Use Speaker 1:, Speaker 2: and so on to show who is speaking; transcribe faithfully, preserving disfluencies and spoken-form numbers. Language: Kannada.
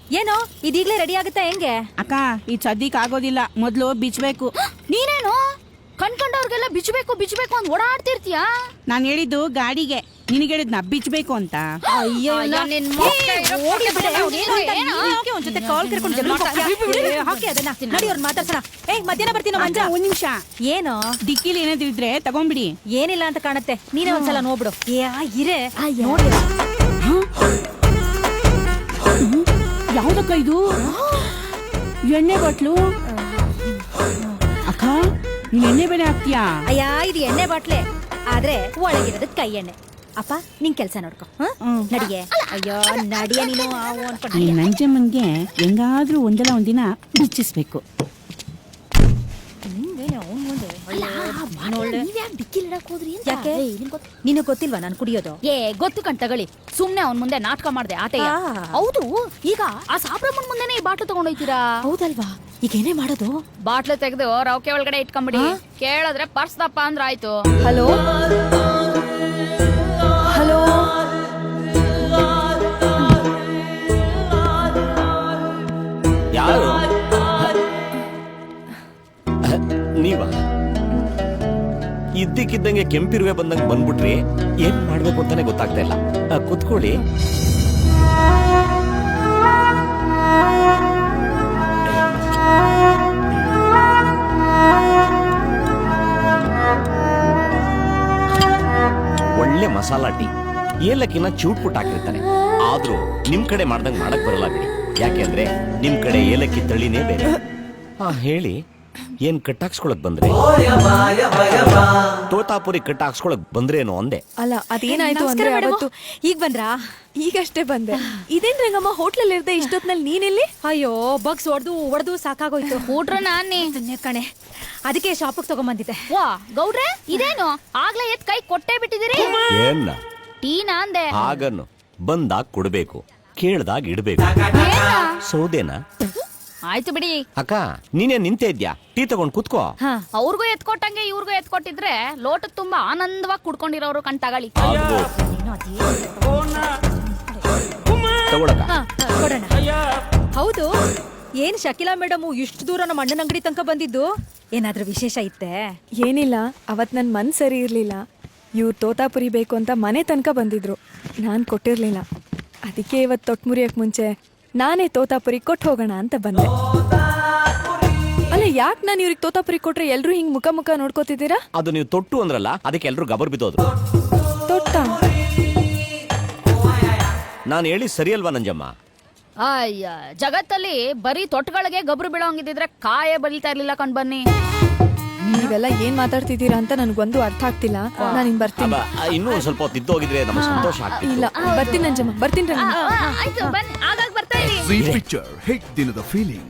Speaker 1: ಏನೋ ಇದೀಗ್ಲೇ ರೆಡಿ ಆಗುತ್ತಾ ಹೆಂಗೆ?
Speaker 2: ಅಕ್ಕ ಈ ಸದ್ಯಕ್ ಆಗೋದಿಲ್ಲ, ಮೊದ್ಲು ಬಿಚ್ಬೇಕು.
Speaker 1: ನೀನೇನು ಕಣ್ಕಂಡವ್ರಿಗೆಲ್ಲ ಬಿಚ್ಚಬೇಕು ಬಿಚ್ಚಬೇಕು ಅಂತ ಓಡಾಡ್ತಿರ್ತೀಯಾ?
Speaker 2: ನಾನ್ ಹೇಳಿದ್ದು ಗಾಡಿಗೆ, ನಿನಗೆ ಹೇಳಿದ್ನ ಬಿಚ್ಬೇಕು ಅಂತ.
Speaker 1: ಅಯ್ಯೋ ಒಂದ್ಸತಿ ಕಾಲ್ ಕರ್ಕೊಂಡು ಹಾಕಿ ಅದನ್ನ ನಡಿ ಅವ್ರನ್ನ ಮಾತಾಡ್ಸೋಣ. ಏ ಮಧ್ಯಾಹ್ನ ಬರ್ತೀನೋ ಮಂಜ.
Speaker 2: ಒಂದ್ ನಿಮಿಷ,
Speaker 1: ಏನೋ
Speaker 2: ಡಿಕ್ಕಿಲಿ ಏನಾದ್ರು ಇದ್ರೆ ತಗೊಂಬಿಡಿ.
Speaker 1: ಏನಿಲ್ಲ ಅಂತ ಕಾಣತ್ತೆ, ನೀನೇ ಒಂದ್ಸಲ ನೋಡ್ಬಿಡು. ಏ ಇರೇ ನೋಡಿ.
Speaker 2: ಯಾವ್ದಕ್ಕ ಇದು? ಎಣ್ಣೆ ಬಾಟ್ಲು. ಅಕ್ಕ ನೀನ್ ಎಣ್ಣೆ ಬೇರೆ ಹಾಕ್ತೀಯಾ?
Speaker 1: ಅಯ್ಯ ಇದು ಎಣ್ಣೆ ಬಾಟ್ಲೆ, ಆದ್ರೆ ಒಳಗಿರೋದ್ ಕೈ ಎಣ್ಣೆ. ಅಪ್ಪ ನಿನ್ ಕೆಲ್ಸ ನೋಡ್ಕೊ. ನಡಿಗೆ. ಅಯ್ಯೋ ನಡಿಯ ನೀನು.
Speaker 2: ಈ ನಂಜಮ್ಮನ್ಗೆ ಹೆಂಗಾದ್ರೂ ಒಂದಲ್ಲ ಒಂದಿನ ಬಿಚ್ಚಿಸ್ಬೇಕು.
Speaker 1: ನಿನಗ್ ಗೊತ್ತಿಲ್ವಾ ನಾನು ಕುಡಿಯೋದು?
Speaker 3: ಏ ಗೊತ್ತು ಕಣ್ ತಗೊಳ್ಳಿ, ಸುಮ್ನೆ ಅವ್ನ್ ಮುಂದೆ ನಾಟಕ ಮಾಡ್ದೆ ಆತ. ಹೌದು, ಈಗ ಆ ಸಾಬ್ರಮ್ಮನ್ ಮುಂದೆನೆ ಈ ಬಾಟ್ಲು ತಗೊಂಡೋಯ್ತೀರಾ?
Speaker 1: ಹೌದಲ್ವಾ? ಈಗ ಏನೇ ಮಾಡೋದು?
Speaker 3: ಬಾಟ್ಲು ತೆಗೆದು ರೌಕೆ ಒಳಗಡೆ ಇಟ್ಕೊಂಬಿಡಿ. ಕೇಳಿದ್ರೆ ಪರ್ಸ್ ದಪ್ಪ ಅಂದ್ರ ಆಯ್ತು.
Speaker 1: ಹಲೋ ಹಲೋ
Speaker 4: ಯಾರು? ನೀವಾ? ಇದ್ದಕ್ಕಿದ್ದಂಗೆ ಕೆಂಪಿರುವೆ ಬಂದಂಗೆ ಬಂದ್ಬಿಟ್ರಿ. ಏನ್ ಮಾಡ್ಬೇಕು ಅಂತಾನೆ ಗೊತ್ತಾಗ್ತಾ ಇಲ್ಲ. ಕುತ್ಕೊಳ್ಳಿ. ಒಳ್ಳೆ ಮಸಾಲಾ ಟೀ, ಏಲಕ್ಕಿನ ಚೂಟ್ ಪುಟ್ ಹಾಕಿರ್ತಾರೆ. ಆದ್ರೂ ನಿಮ್ ಕಡೆ ಮಾಡ್ದಂಗ್ ಮಾಡಕ್ ಬರಲ್ಲ ಬಿಡಿ. ಯಾಕೆಂದ್ರೆ ನಿಮ್ ಕಡೆ ಏಲಕ್ಕಿ ತಳಿನೇ ಬೇರೆ. ಹಾ ಹೇಳಿ, ಏನ್ ಕಟ್ಟಾಕ್ಸ್ಕೊಳಕ್ ಬಂದ್ರೆ? ತೋತಾಪುರಿ ಕಟ್ಟಾಕ್ಸ್ಕೊಳಕ್ ಬಂದ್ರೇನು ಅಂದೆ.
Speaker 5: ಅಲ್ಲ ಅದೇನಾಯ್ತು ಅಂದ್ರೆ ಅವತ್ತು
Speaker 1: ಈಗ ಬಂದ್ರಾ?
Speaker 5: ಈಗಷ್ಟೇ ಬಂದೆ. ಇದೇನ್ ರಂಗಮ್ಮ ಹೋಟ್ಲಲ್ಲಿ ಇರ್ದೆ ಇಷ್ಟೊತ್ನಲ್ಲಿ ನೀನೆಲ್ಲಿ?
Speaker 1: ಅಯ್ಯೋ ಬಗ್ಸ್ ಹೊಡ್ದು ಹೊಡೆದು ಸಾಕಾಗೋಯ್ತು.
Speaker 3: ಊಟ್ರ ನಾನೇ
Speaker 1: ಕಣೆ, ಅದಕ್ಕೆ ಶಾಪಿಗೆ ತಗೊಂಬಂದಿದ್ದೆ.
Speaker 3: ವಾ ಗೌಡ್ರೆ, ಇದೇನು ಆಗ್ಲೇ ಎತ್ ಕೈ ಕೊಟ್ಟೆ ಬಿಟ್ಟಿದಿರಿ?
Speaker 4: ಏನ್ನ
Speaker 3: ಟೀನಾ ಅಂದೆ.
Speaker 4: ಹಾಗನ್ನು ಬಂದಾಗ ಕೊಡ್ಬೇಕು, ಕೇಳ್ದಾಗ ಇಡ್ಬೇಕು. ಸೌದೆನಾ?
Speaker 3: ಆಯ್ತು ಬಿಡಿ.
Speaker 4: ಅಕ್ಕ ನೀನೇ ನಿಂತೆ ಇದ್ಯಾ? ಟೀ ತಗೊಂಡ್ ಕುತ್ಕೋ.
Speaker 3: ಅವ್ರಿಗೂ ಎತ್ಕೊಟ್ಟಂಗೆ ಇವ್ರಿಗೂ ಎತ್ಕೊಟ್ಟಿದ್ರೆ ಲೋಟದ ತುಂಬಾ ಆನಂದವಾಗಿ ಕುಡ್ಕೊಂಡಿರೋರು ಕಣ್ ತಗೊಳ್ಳಿ.
Speaker 4: ತಗೊಳಕ
Speaker 1: ಕೊಡೋಣ. ಹೌದು, ಏನ್ ಶಕಿಲಾ ಮೇಡಮ್ ಇಷ್ಟು ದೂರ ನಮ್ಮ ಅಣ್ಣನ ಅಂಗಡಿ ತನಕ ಬಂದಿದ್ದು? ಏನಾದ್ರೂ ವಿಶೇಷ ಇತ್ತೆ?
Speaker 5: ಏನಿಲ್ಲ, ಅವತ್ ನನ್ ಮನ್ ಸರಿ ಇರ್ಲಿಲ್ಲ. ಇವ್ರು ತೋತಾಪುರಿ ಬೇಕು ಅಂತ ಮನೆ ತನಕ ಬಂದಿದ್ರು. ನಾನ್ ಕೊಟ್ಟಿರ್ಲಿಲ್ಲ. ಅದಕ್ಕೆ ಇವತ್ ತೊಟ್ ಮುರಿಯಕ್ ಮುಂಚೆ ನಾನೇ ತೋತಾಪುರಿ ಕೊಟ್ಟು ಹೋಗೋಣ ಅಂತ ಬಂದೆ. ಅಲ್ಲ ಯಾಕೆ ನಾನು ಇವ್ರಿಗೆ ತೋತಾಪುರಿ ಕೊಟ್ರೆ ಎಲ್ರು ಹಿಂಗ್ ಮುಖ ಮುಖ ನೋಡ್ಕೋತಿದ್ದೀರಾ?
Speaker 4: ಅದು ನೀವು ತೊಟ್ಟು ಅಂದ್ರಲ್ಲ, ಅದಕ್ಕೆ ಎಲ್ರು ಗಬರ್ ಬಿದ್ದೋದ್ರು.
Speaker 5: ತೊಟ್ಟ?
Speaker 4: ನಾನು ಹೇಳಿ ಸರಿ ಅಲ್ವಾ ನಂಜಮ್ಮ?
Speaker 3: ಅಯ್ಯ, ಜಗತ್ತಲ್ಲಿ ಬರೀ ತೊಟ್ಗಳಿಗೆ ಗಬ್ರು ಬೀಳೋಂಗಿದ್ರೆ ಕಾಯೇ ಬಲಿತಾ ಇರ್ಲಿಲ್ಲ ಕಣ್ ಬನ್ನಿ.
Speaker 5: ನೀವೆಲ್ಲ ಏನ್ ಮಾತಾಡ್ತಿದ್ದೀರಾ ಅಂತ ನನ್ಗೊಂದು ಅರ್ಥ ಆಗ್ತಿಲ್ಲ. ನಾನು ಇನ್ ಬರ್ತೀನಿ.
Speaker 4: ಇನ್ನೂ ಒಂದ್ ಸ್ವಲ್ಪ ಹೊತ್ತು ಇದ್ದೋಗಿದ್ರೆ ನಮ್ಗೆ ಸಂತೋಷ ಆಗ್ತಿತ್ತು.
Speaker 5: ಇಲ್ಲ ಬರ್ತೀನಿ ನಂಜಮ್ಮ, ಬರ್ತೀನಿ ರಂಗಮ್ಮ.
Speaker 3: ಆಯ್ತು ಬನ್ನಿ, ಆಗಾಗ ಬರ್ತಾ ಇರಿ.
Speaker 6: ಪಿಕ್ಚರ್ ಹಿಟ್ ದಿನದ ಫೀಲಿಂಗ್.